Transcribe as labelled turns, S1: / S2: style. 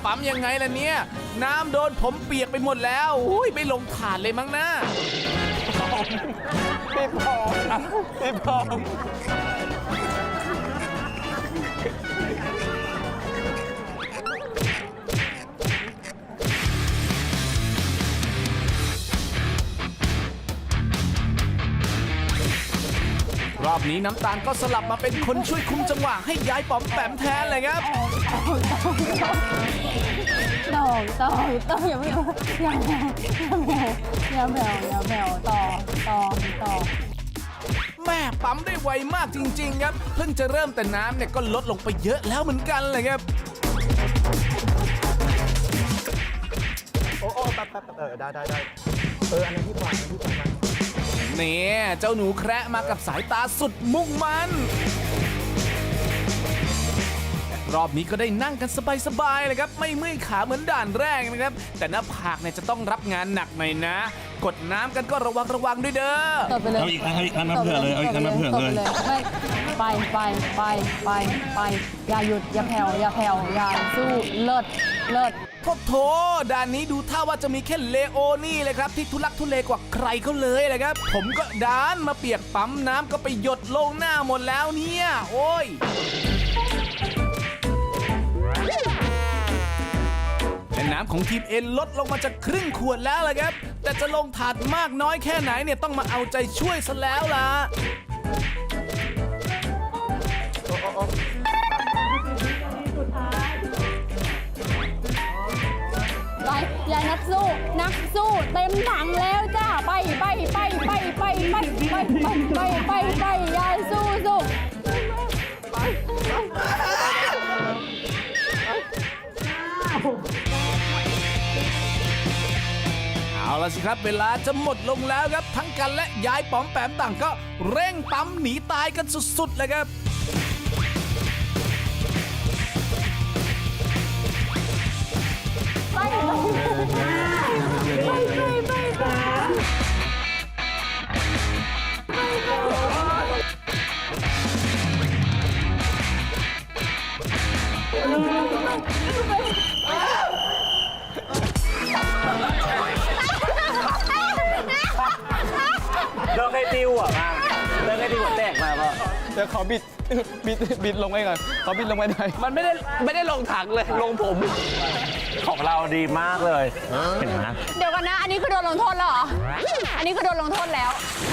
S1: ปั๊มยังไงล่ะเนี่ยน้ำโดนผมเปียกไปหมดแล้วอุ้ยไม่ลงถาดเลยมั้งนะ
S2: พี่พองพี่พอง
S1: รอบนี้น้ำตาลก็สลับมาเป็นคนช่วยคุมจังหวะให้ยายป๋อมแปมแทนเลยครับ
S3: ต่ออย่าไม่อย่าแมวต่อ
S1: แม่ปั๊มได้ไวมากจริงๆครับเพิ่งจะเริ่มแต่น้ำเนี่ยก็ลดลงไปเยอะแล้วเหมือนกันเลยครับ
S2: โอ้แป๊บได้อันนั้นพี่พองมา
S1: เนี่ยเจ้าหนูแคระมากับสายตาสุดมุ่งมันรอบนี้ก็ได้นั่งกันสบายๆเลยครับไม่เมื่อยขาเหมือนด่านแรกนะครับแต่หน้าผากเนี่ยจะต้องรับงานหนักหน่อยนะ กดน้ำกันก็ระวังด้วยเด้อ
S3: ต่อไปเลย
S4: เอาอีกอันมาเผื่อเลย เอาอีกอันมาเผื่อเลย
S3: ไม่ไปอย่าหยุดอย่าแผ่วอย่าสู้เลิศ
S1: โถด่านนี้ดูท่าว่าจะมีแค่เลโอนี่เลยครับที่ทุลักทุเลกว่าใครเขาเลยเลยครับผมก็ดานมาเปียกปั๊มน้ำก็ไปหยดลงหน้าหมดแล้วเนี่ยโอ้ยและน้ำของทีมเอ็นลดลงมาจากครึ่งขวดแล้วล่ะครับแต่จะลงถาดมากน้อยแค่ไหนเนี่ยต้องมาเอาใจช่วยซะแล้วล่ะ
S3: ไปยายนักสู้เต็มถังแล้วจ้าไปยายสู้
S1: เอาละสิครับเวลาจะหมดลงแล้วครับทั้งกันและยายป๋อมแปมต่างก็เร่งปั๊มหนีตายกันสุดๆเลยครับ
S2: เลิกให้ติวอ่ะมาเลิกให้ติวหัวแตกมาป่ะเดี๋ยวขอบิดลงไปก่อนขอบิดลงไปหน่อยมันไม่ได้ลงถังเลยลงผมของเราดีมากเลยเห็นไหม
S3: เดี๋ยวกันนะอันนี้คือโดนลงโทษแล้วเหรออันนี้คือโดนลงโทษแล้ว